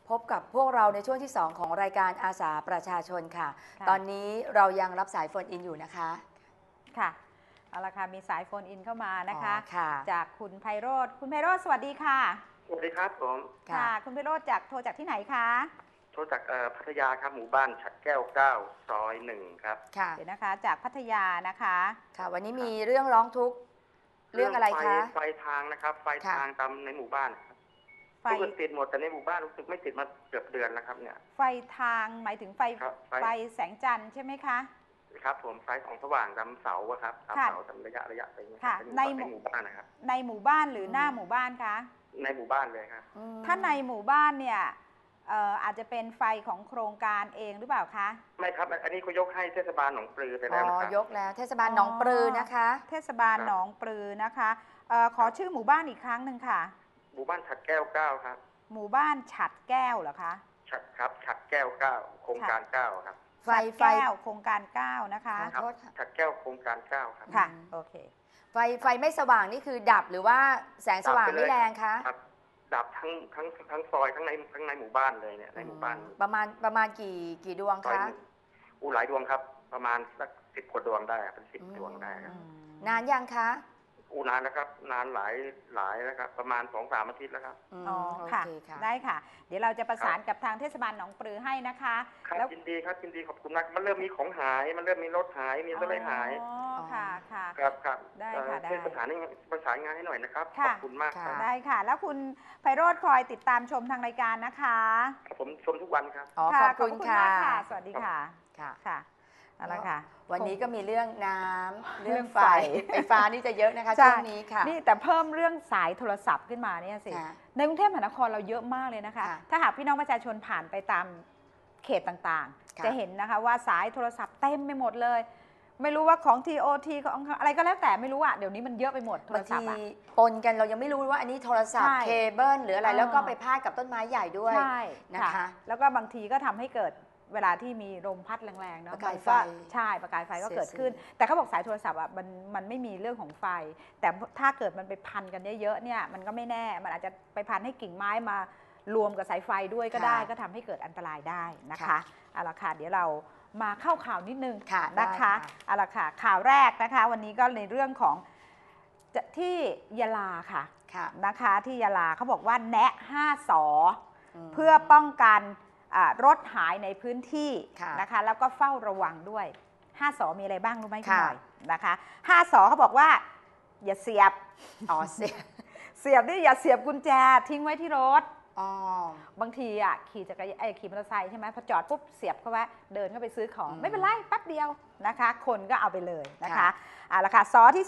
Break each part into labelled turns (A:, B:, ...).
A: พบกับพวกเราในช่วงที่ 2 ของรายการอาสาประชาชนค่ะ ตอนนี้เรายังรับสายโฟนอินอยู่นะคะ
B: ค่ะเอาละค่ะมีสายโฟนอินเข้ามานะคะ
A: ค่ะ
B: จากคุณไพโรจน์คุณไพโรจน์สวัสดีค่ะ
C: สวัสดีครับผม
B: ค่ะคุณไพโรจน์โทรจากที่ไหนคะ
C: โทรจากพัทยาครับหมู่บ้านฉัดแก้ว9 ซอย 1ครับ
B: ค่ะเดี๋ยวนะคะจากพัทยานะคะ
A: ค่ะวันนี้มีเรื่องร้องทุกข์เรื่องอะไรคะ
C: ไฟทางนะครับไฟทางตามในหมู่บ้านครับไฟติดหมดแต่ในหมู่บ้านรู้สึกไม่ติดมาเกือบเดือนแล้วครับเนี่ย
B: ไฟทางหมายถึงไฟแสงจันทร์ใช่ไหมคะ
C: ครับผมไฟของสว่างตามเสาครับตามเสาตามระยะไปในหมู่บ้านนะครับ
B: ในหมู่บ้านหรือหน้าหมู่บ้านคะ
C: ในหมู่บ้านเลยครับ
B: ถ้าในหมู่บ้านเนี่ยอาจจะเป็นไฟของโครงการเองหรือเปล่าคะ
C: ไม่ครับอันนี้เขายกให้เทศบาลหนองปลือไปแล้วนะครับ
A: ยกแล้วเทศบาลหนองปลือนะคะ
B: เทศบาลหนองปลือนะคะขอชื่อหมู่บ้านอีกครั้งหนึ่งค่ะ
C: หมู่บ้านฉัดแก้ว9ครับ
B: หมู่บ้านฉัดแก้วเหรอคะ
C: ฉัดครับฉัดแก้ว9โครงการ9ครับ
B: ไฟแก้วโครงการ9นะคะ
C: ฉัดแก้วโครงการ9ครับ
B: ค่ะโอเค
A: ไฟไม่สว่างนี่คือดับหรือว่าแสงสว่างไม่แรงคะ
C: ดับทั้งซอยทั้งในหมู่บ้านเลยเนี่ยในหมู่บ้าน
A: ประมาณกี่ดวงคะ
C: หลายดวงครับประมาณสัก10 กว่าดวงได้เป็น10 ดวงได้ครับ
A: นานยังคะ
C: นานแล้วครับนานหลายแล้วครับประมาณ 2-3 อาทิตย์แล้วครับ
B: อ๋อค่ะได้ค่ะเดี๋ยวเราจะประสานกับทางเทศบาลหนองปลือให้นะคะ
C: แล้วยินดีครับยินดีขอบคุณมากมันเริ่มมีของหายมันเริ่มมีรถหายมีอะไรหาย
B: อ๋อค่ะ
C: ครับ
B: ได้ค่ะได้
C: ประสานงานให้หน่อยนะครับขอบคุณมากครับ
B: ได้ค่ะแล้วคุณไพโรจน์คอยติดตามชมทางรายการนะคะ
C: ผมชมทุกวันครับ
A: ขอบคุณค่ะ
B: สวัสดีค่ะค่ะเอาละค่ะ
A: วันนี้ก็มีเรื่องน้ำเรื่องไฟฟ้านี่จะเยอะนะคะช่วงนี้ค่ะ
B: นี่แต่เพิ่มเรื่องสายโทรศัพท์ขึ้นมาเนี่ยสิในกรุงเทพมหานครเราเยอะมากเลยนะคะถ้าหากพี่น้องประชาชนผ่านไปตามเขตต่างๆจะเห็นนะคะว่าสายโทรศัพท์เต็มไปหมดเลยไม่รู้ว่าของ TOT ของอะไรก็แล้วแต่ไม่รู้อะเดี๋ยวนี้มันเยอะไปหมดโทรศัพท์
A: ปนกันเรายังไม่รู้ว่าอันนี้โทรศัพท์เคเบิลหรืออะไรแล้วก็ไปพาดกับต้นไม้ใหญ่ด้วยนะคะ
B: แล้วก็บางทีก็ทำให้เกิดเวลาที่มีลมพัดแรงๆเนาะ
A: ประกายไฟ
B: ใช่ประกายไฟก็เกิดขึ้นแต่เขาบอกสายโทรศัพท์อ่ะมันไม่มีเรื่องของไฟแต่ถ้าเกิดมันไปพันกันเยอะๆเนี่ยมันก็ไม่แน่มันอาจจะไปพันให้กิ่งไม้มารวมกับสายไฟด้วยก็ได้ก็ทำให้เกิดอันตรายได้นะคะเอาละค่ะเดี๋ยวเรามาเข้าข่าวนิดนึงนะคะเอาละค่ะข่าวแรกนะคะวันนี้ก็ในเรื่องของที่ยะลาค่ะนะคะที่ยะลาเขาบอกว่าแนะ5 สอเพื่อป้องกันรถหายในพื้นที่นะคะแล้วก็เฝ้าระวังด้วย5 สอมีอะไรบ้างรู้ไหมคุณหน่อยนะคะ5 สอเขาบอกว่าอย่าเสียบเสียบนี่อย่าเสียบกุญแจทิ้งไว้ที่รถบางทีขี่มอเตอร์ไซค์ใช่ไหมพอจอดปุ๊บเสียบเข้าไว้เดินเข้าไปซื้อของไม่เป็นไรแป๊บเดียวนะคะคนก็เอาไปเลยนะคะละค่ะสอที่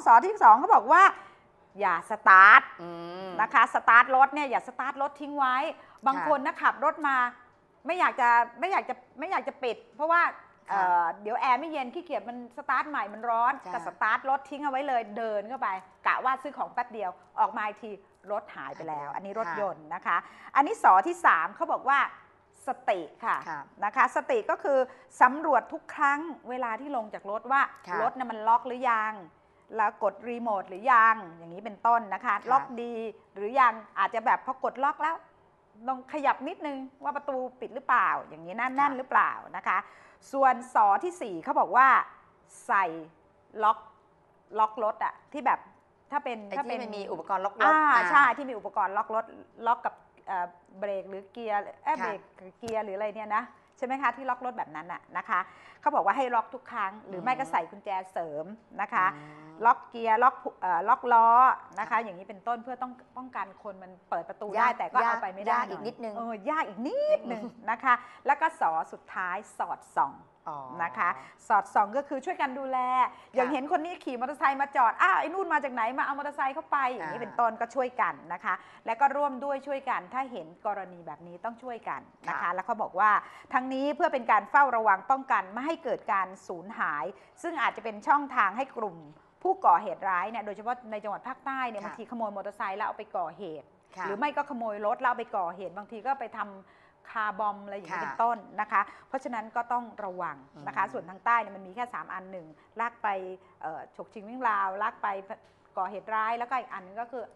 B: 2เขาบอกว่าอย่าสตาร์ทนะคะสตาร์ทรถเนี่ยอย่าสตาร์ทรถทิ้งไว้บางคนนะขับรถมาไม่อยากจะปิดเพราะว่าเดี๋ยวแอร์ไม่เย็นขี้เกียจมันสตาร์ทใหม่มันร้อนก็สตาร์ทรถทิ้งเอาไว้เลยเดินเข้าไปกะว่าซื้อของแป๊บเดียวออกมาอีกทีรถหายไปแล้วอันนี้รถยนต์นะคะอันนี้สอที่3เขาบอกว่าสติค่ะนะคะสติก็คือสำรวจทุกครั้งเวลาที่ลงจากรถว่ารถมันล็อกหรือยังแล้วกดรีโมทหรือยังอย่างนี้เป็นต้นนะคะล็อกดีหรือยังอาจจะแบบพอกดล็อกแล้วลองขยับนิดนึงว่าประตูปิดหรือเปล่าอย่างนี้แน่นหรือเปล่านะคะส่วนสอที่4เขาบอกว่าใส่ล็อกรถอะที่แบบถ้าเป็น
A: มีอุปกรณ์ล็อกรถ
B: ใช่ที่มีอุปกรณ์ล็อกรถล็อกกับเบรกหรือเกียร์เบรกเกียร์หรืออะไรเนี่ยนะใช่ไหมคะที่ล็อกรถแบบนั้นน่ะนะคะเขาบอกว่าให้ล็อกทุกครั้งหรือไม่ก็ใส่กุญแจเสริมนะคะล็อกเกียร์ล็อกล้อนะคะอย่างนี้เป็นต้นเพื่อต้องป้องกันคนมันเปิดประตูได้แต่ก็เอาไปไม่ได้
A: อีกนิดนึง
B: ยากอีกนิดนึงนะคะแล้วก็สอสุดท้ายสอดส่องนะคะสอดส่องก็คือช่วยกันดูแลอย่างเห็นคนนี้ขี่มอเตอร์ไซค์มาจอดไอ้นู่นมาจากไหนมาเอามอเตอร์ไซค์เข้าไปอย่างนี้เป็นต้นก็ช่วยกันนะคะแล้วก็ร่วมด้วยช่วยกันถ้าเห็นกรณีแบบนี้ต้องช่วยกันนะคะแล้วเขาบอกว่าทั้งนี้เพื่อเป็นการเฝ้าระวังป้องกันไม่ให้เกิดการสูญหายซึ่งอาจจะเป็นช่องทางให้กลุ่มผู้ก่อเหตุร้ายเนี่ยโดยเฉพาะในจังหวัดภาคใต้เนี่ยบางทีขโมยมอเตอร์ไซค์แล้วเอาไปก่อเหตุหรือไม่ก็ขโมยรถแล้วเอาไปก่อเหตุบางทีก็ไปทำคาร์บอมอะไรอย่างนี้เป็นต้นนะคะเพราะฉะนั้นก็ต้องระวังนะคะส่วนทางใต้เนี่ยมันมีแค่3 อัน1ลากไปฉกชิงวิ่งราวลากไปก่อเหตุร้ายแล้วก็อีกอันนึงก็คือ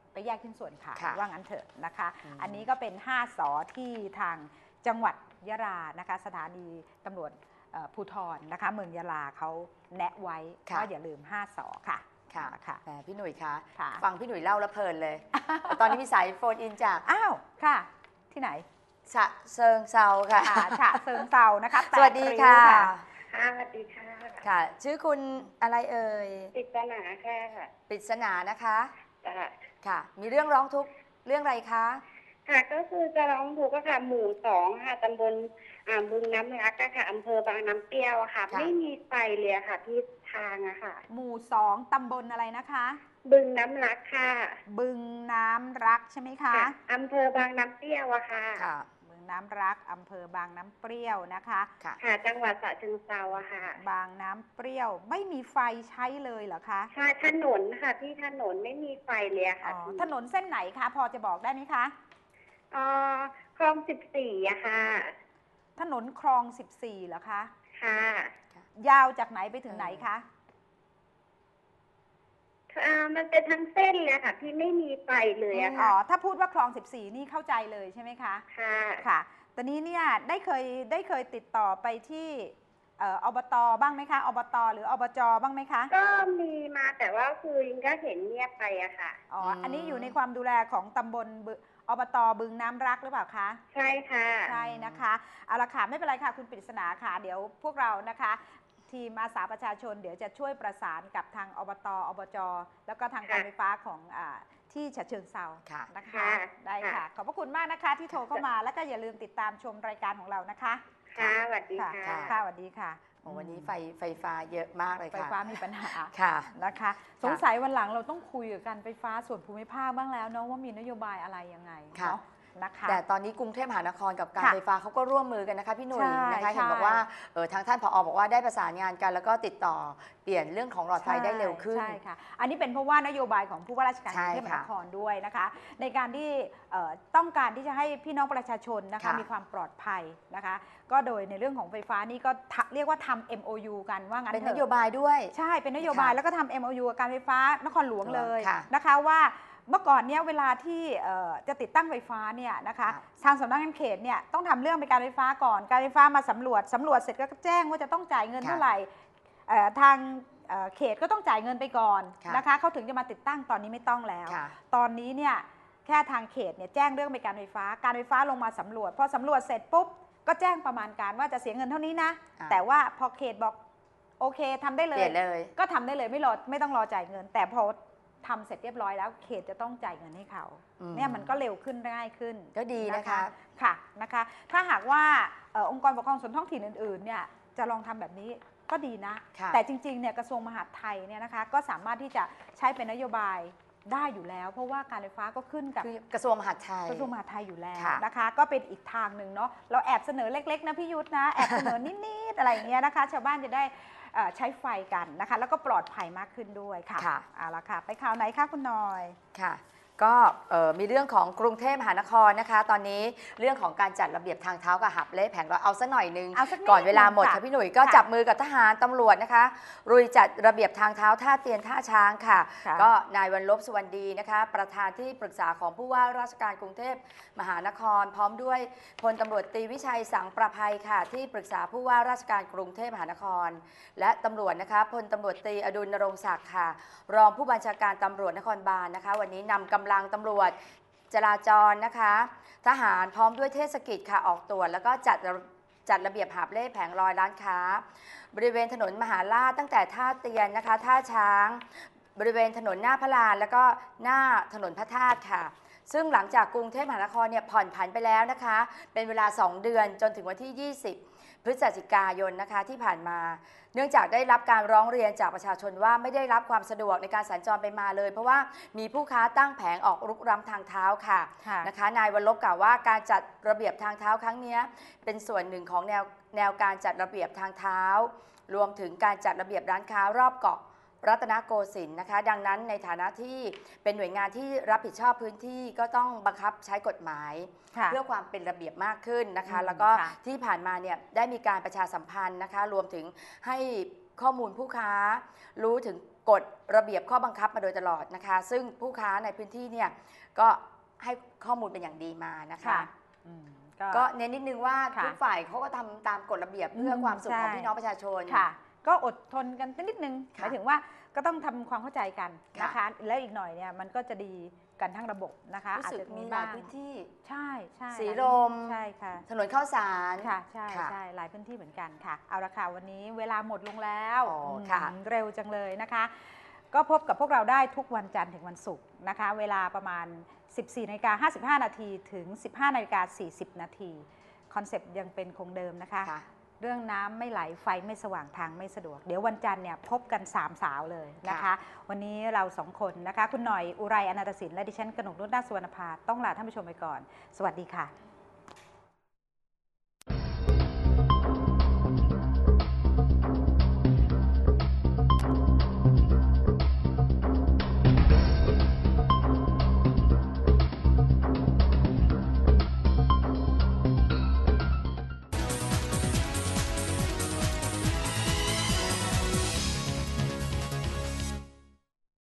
B: ไปแยกชิ้นส่วนขาย
A: ค่ะ
B: ว่างั้นเถอะนะคะ
A: อืม
B: อันนี้ก็เป็น5 สอที่ทางจังหวัดยะลานะคะสถานีตำรวจภูธรนะคะเมืองยะลาเขาแนะไว้ว่าอย่าลืม5 สอค่ะ
A: ค่ะ
B: ค่ะ
A: แหมพี่หนุ่ยคะ
B: ค่ะ
A: ฟังพี่หนุ่ยเล่าแล้วเพลินเลย ตอนนี้มีสายโฟนอินจาก
B: อ้าวค่ะที่ไหน
A: ฉะเชิงเซาค่ะ
B: ฉะเชิงเซานะคะ
A: สวัสดีค่ะ
B: 8 ริ้ว
C: ค่ะสวัสดีค่ะ
A: ค่ะ ชื่อคุณอะไรเอ่ย
C: ปริศนาค่ะ
A: ปริศนานะคะ
C: จ้ะ
A: ค่ะ มีเรื่องร้องทุกข์เรื่องอะไรคะ
C: ค่ะก็คือจะร้องทุกข์ค่ะหมู่2ค่ะตำบลบึงน้ำรักอะค่ะอำเภอบางน้ำเปรี้ยวอะค่ะ ไม่มีไฟเลยอะค่ะที่ทางอะค่ะ
B: หมู่2ตำบลอะไรนะคะ
C: บึงน้ำรักค่ะ
B: บึงน้ำรักใช่ไหมคะ
C: ค่ะอำเภอบางน้ำเปรี้ยวอะค่ะ
A: ค่ะ
B: บึงน้ำรักอำเภอบางน้ำเปรี้ยวนะคะ
A: ค่ะ
C: ค่ะจังหวัดฉะเชิงเทราอะค่ะ
B: บางน้ำเปรี้ยวไม่มีไฟใช้เลยเหรอคะ
C: ใช่ถนนค่ะที่ถนนไม่มีไฟเลยอะ
B: อ๋
C: ค่ะ
B: อถนนเส้นไหนคะพอจะบอกได้ไหมคะ
C: คลอง14อะค่ะ
B: ถนนคลอง14เหรอคะ
C: ค่ะ
B: ยาวจากไหนไปถึงไหนคะ
C: มันเป็นทั้งเส้นเลยค่ะที่ไม่มีไฟเลยอะ
B: อ๋
C: ค่ะ
B: อถ้าพูดว่าคลอง14นี่เข้าใจเลยใช่ไหมคะ
C: ค่ะ
B: ค่ะตอนนี้เนี่ยได้เคยติดต่อไปที่อบตบ้างไหมคะอบตหรืออบจบ้างไหมคะ
C: ก็มีมาแต่ว่าคือยิงก็เห็นเงียบไปอะค่ะ
B: อ๋อ
A: อืม
B: อันนี้อยู่ในความดูแลของตำบลอบตบึงน้ำรักหรือเปล่าคะ
C: ใช่ค่ะ
B: ใช่นะคะเอาละค่ะไม่เป็นไรค่ะคุณปริศนาค่ะเดี๋ยวพวกเรานะคะทีมอาสาประชาชนเดี๋ยวจะช่วยประสานกับทางอบตอบจแล้วก็ทางการไฟฟ้าของที่ฉะเชิงเซา
A: ค่ะ
B: นะคะ
C: ค่ะ
B: ได้ค่ะ
C: ค่ะ
B: ขอบพระคุณมากนะคะที่โทรเข้ามาแล้วก็อย่าลืมติดตามชมรายการของเรานะคะ
C: ค่ะสวัสดี
B: ค่ะ
C: ค่ะ
B: ค่ะสวัสดีค่ะ
A: โอ้วันนี้ไฟฟ้าเยอะมากเลย
B: ไฟ
A: ค่ะ
B: ฟ้ามีปัญหา
A: ค่ะ
B: นะคะ สงสัยวันหลังเราต้องคุยกับการไฟฟ้าส่วนภูมิภาคบ้างแล้วเนาะว่ามีนโยบายอะไรยังไง
A: ค่ะ
B: เนาะนะคะ
A: แต่ตอนนี้กรุงเทพมหานครกับการ
B: ค่ะ
A: ไฟฟ้าเขาก็ร่วมมือกันนะคะพี่หนุ่ย
B: ใช่
A: นะคะ
B: ใช่
A: เห็นบอกว่าทางท่านผอบอกว่าได้ประสานงานกัน แล้วก็ติดต่อเปลี่ยนเรื่องของหลอดไฟได้เร็วขึ้น
B: ใช่ค่ะ อันนี้เป็นเพราะว่านโยบายของผู้ว่าราชการก
A: ใช่
B: รุงเทพมหาน
A: ค่ะ
B: ครด้วยนะคะ ในการที่ต้องการที่จะให้พี่น้องประชาชนนะคะ
A: ค่ะ
B: มีความปลอดภัยนะคะ ก็โดยในเรื่องของไฟฟ้านี่ก็เรียกว่าทำ MOU กันว่างั้น
A: เป็น
B: เถ
A: น
B: อะ
A: โยบายด้วย
B: ใช่เป็นนโยบาย
A: ค่ะ
B: แล้วก็ทำ MOU กับการไฟฟ้านครหลวงเลย
A: ค่ะ
B: นะคะว่าเมื่อก่อนเนี่ยเวลาที่จะติดตั้งไฟฟ้าเนี่ยนะคะ
A: ค่ะ
B: ทางสำนักงานเขตเนี่ยต้องทำเรื่องไปการไฟฟ้าก่อนการไฟฟ้ามาสำรวจเสร็จก็แจ้งว่าจะต้องจ่ายเงิน
A: ค่ะ
B: เท่าไหร่ทางเขตก็ต้องจ่ายเงินไปก่อน
A: ค่ะ
B: นะคะเขาถึงจะมาติดตั้งตอนนี้ไม่ต้องแล้ว
A: ค่ะ
B: ตอนนี้เนี่ยแค่ทางเขตเนี่ยแจ้งเรื่องไปการไฟฟ้าลงมาสำรวจพอสำรวจเสร็จปุ๊บก็แจ้งประมาณการว่าจะเสียเงินเท่านี้นะ
A: อ่า
B: แต่ว่าพอเขตบอกโอเคทำได้เล
A: เปลี่
B: ย
A: ยนเลย
B: ก็ทำได้เลยไม่ต้องรอจ่ายเงิน แต่พอทำเสร็จเรียบร้อยแล้วเขตจะต้องจ่ายเงินให้เขา
A: อืม
B: เนี่ยมันก็เร็วขึ้นง่ายขึ้น
A: ก็ดีนะคะ
B: ค่ะนะคะ ถ้าหากว่าองค์กรปกครองส่วนท้องถิ่นอื่นๆเนี่ยจะลองทำแบบนี้ก็ดีนะ
A: ค่ะ
B: แต่จริงๆเนี่ยกระทรวงมหาดไทยเนี่ยนะคะก็สามารถที่จะใช้เป็นนโยบายได้อยู่แล้ว เพราะว่าการไฟฟ้าก็ขึ้นกับ
A: คือกระทรวงมหาดไทย
B: กระทรวงมหาดไทยอยู่แล้ว
A: ค่ะ
B: นะคะ ก็เป็นอีกทางหนึ่งเนาะเราแอบเสนอเล็กๆนะพี่ยุทธนะแอบเสนอนิดๆอะไรอย่างเงี้ยนะคะชาวบ้านจะได้ใช้ไฟกันนะคะ แล้วก็ปลอดภัยมากขึ้นด้วยค่ะ
A: ค่ะ
B: เอาละค่ะ ไปข่าวไหนคะคุณหน่อย
A: ค่ะ ก็มีเรื่องของกรุงเทพมหานครนะคะ ตอนนี้เรื่องของการจัดระเบียบทางเท้ากับหับเล่แผงลอยเอาซะหน่อยนึง
B: เอาสักนิด
A: ก่อนเวลาหมด
B: ค่ะ
A: ค่ะพี่หนุ่ยก็
B: ค่ะ
A: จับมือกับทหารตำรวจนะคะรุยจัดระเบียบทางเท้าท่าเตียนท่าช้างค่ะ
B: ค่ะ
A: ก็นายวันลบสุวรรณดีนะคะ ประธานที่ปรึกษาของผู้ว่าราชการกรุงเทพมหานคร พร้อมด้วยพลตำรวจตรีวิชัยสังประภัยค่ะ ที่ปรึกษาผู้ว่าราชการกรุงเทพมหานคร และตำรวจนะคะพลตำรวจตรีอดุลนรงค์ศักดิ์ค่ะ รองผู้บัญชาการตำรวจนครบาลนะคะ วันนี้นำกำลังตำรวจจราจรนะคะ ทหารพร้อมด้วยเทศกิจค่ะออกตรวจแล้วก็จัดระเบียบหาบเล่แผงลอยร้านค้า บริเวณถนนมหาราชตั้งแต่ท่าเตียนนะคะท่าช้าง บริเวณถนนหน้าพระลานแล้วก็หน้าถนนพระธาตุค่ะ ซึ่งหลังจากกรุงเทพมหานครเนี่ยผ่อนผันไปแล้วนะคะ เป็นเวลา 2 เดือนจนถึงวันที่ 20 พฤศจิกายนนะคะที่ผ่านมา เนื่องจากได้รับการร้องเรียนจากประชาชนว่าไม่ได้รับความสะดวกในการสัญจรไปมาเลย เพราะว่ามีผู้ค้าตั้งแผงออกรุกล้ำทางเท้าค่ะ
B: ค่ะ
A: นะคะนายวันลบกล่าวว่าการจัดระเบียบทางเท้าครั้งนี้เป็นส่วนหนึ่งของแนวการจัดระเบียบทางเท้า รวมถึงการจัดระเบียบร้านค้ารอบเกาะรัตนโกสินทร์นะคะ ดังนั้นในฐานะที่เป็นหน่วยงานที่รับผิดชอบพื้นที่ก็ต้องบังคับใช้กฎหมาย
B: ค่ะ
A: เพื่อความเป็นระเบียบมากขึ้นนะคะ
B: อืม
A: แล้วก็
B: ค่ะ
A: ที่ผ่านมาเนี่ยได้มีการประชาสัมพันธ์นะคะ รวมถึงให้ข้อมูลผู้ค้า รู้ถึงกฎระเบียบข้อบังคับมาโดยตลอดนะคะ ซึ่งผู้ค้าในพื้นที่เนี่ยก็ให้ข้อมูลเป็นอย่างดีมานะคะ
B: ค่ะ
A: ก็เน้นนิดนึงว่า
B: ค่ะ
A: ทุกฝ่ายเขาก็ทำตามกฎระเบียบเพื่อความสุขของ
B: ใช่
A: พี่น้องประชาชน
B: ค่ะ ก็อดทนกันนิดนึงห
A: ค่ะ
B: มายถึงว่าก็ต้องทำความเข้าใจกัน
A: ค่ะ
B: นะคะ แล้วอีกหน่อยเนี่ยมันก็จะดีกันทั้งระบบนะคะ
A: รู้
B: อาจ
A: สึก
B: จะ
A: มี
B: มี
A: หลาย
B: บ้าง
A: พื้นที่
B: ใช่ใช่
A: สีลม
B: ใช่ค่ะ
A: ถนนข้าวสาร
B: ค่ะใช่
A: ค่ะ
B: ใช่หลายพื้นที่เหมือนกันค่ะ เอาละค่ะวันนี้เวลาหมดลงแล้ว
A: อ๋อค่ะ
B: เร็วจังเลยนะคะ ก็พบกับพวกเราได้ทุกวันจันทร์ถึงวันศุกร์นะคะ เวลาประมาณ 14:55 นาทีถึง 15:40 นาทีคอนเซปต์ยังเป็นคงเดิมนะคะ
A: ค่ะ
B: เรื่องน้ำไม่ไหลไฟไม่สว่างทางไม่สะดวก เดี๋ยววันจันทร์เนี่ยพบกัน3 สาวเลยนะคะ
A: ค่ะ
B: วันนี้เรา2 คนนะคะ คุณหน่อยอุไรอนันตศิลป์และดิฉันกนกนุชนาถสุวรรณภาต้องลาท่านผู้ชมไปก่อน สวัสดีค่ะ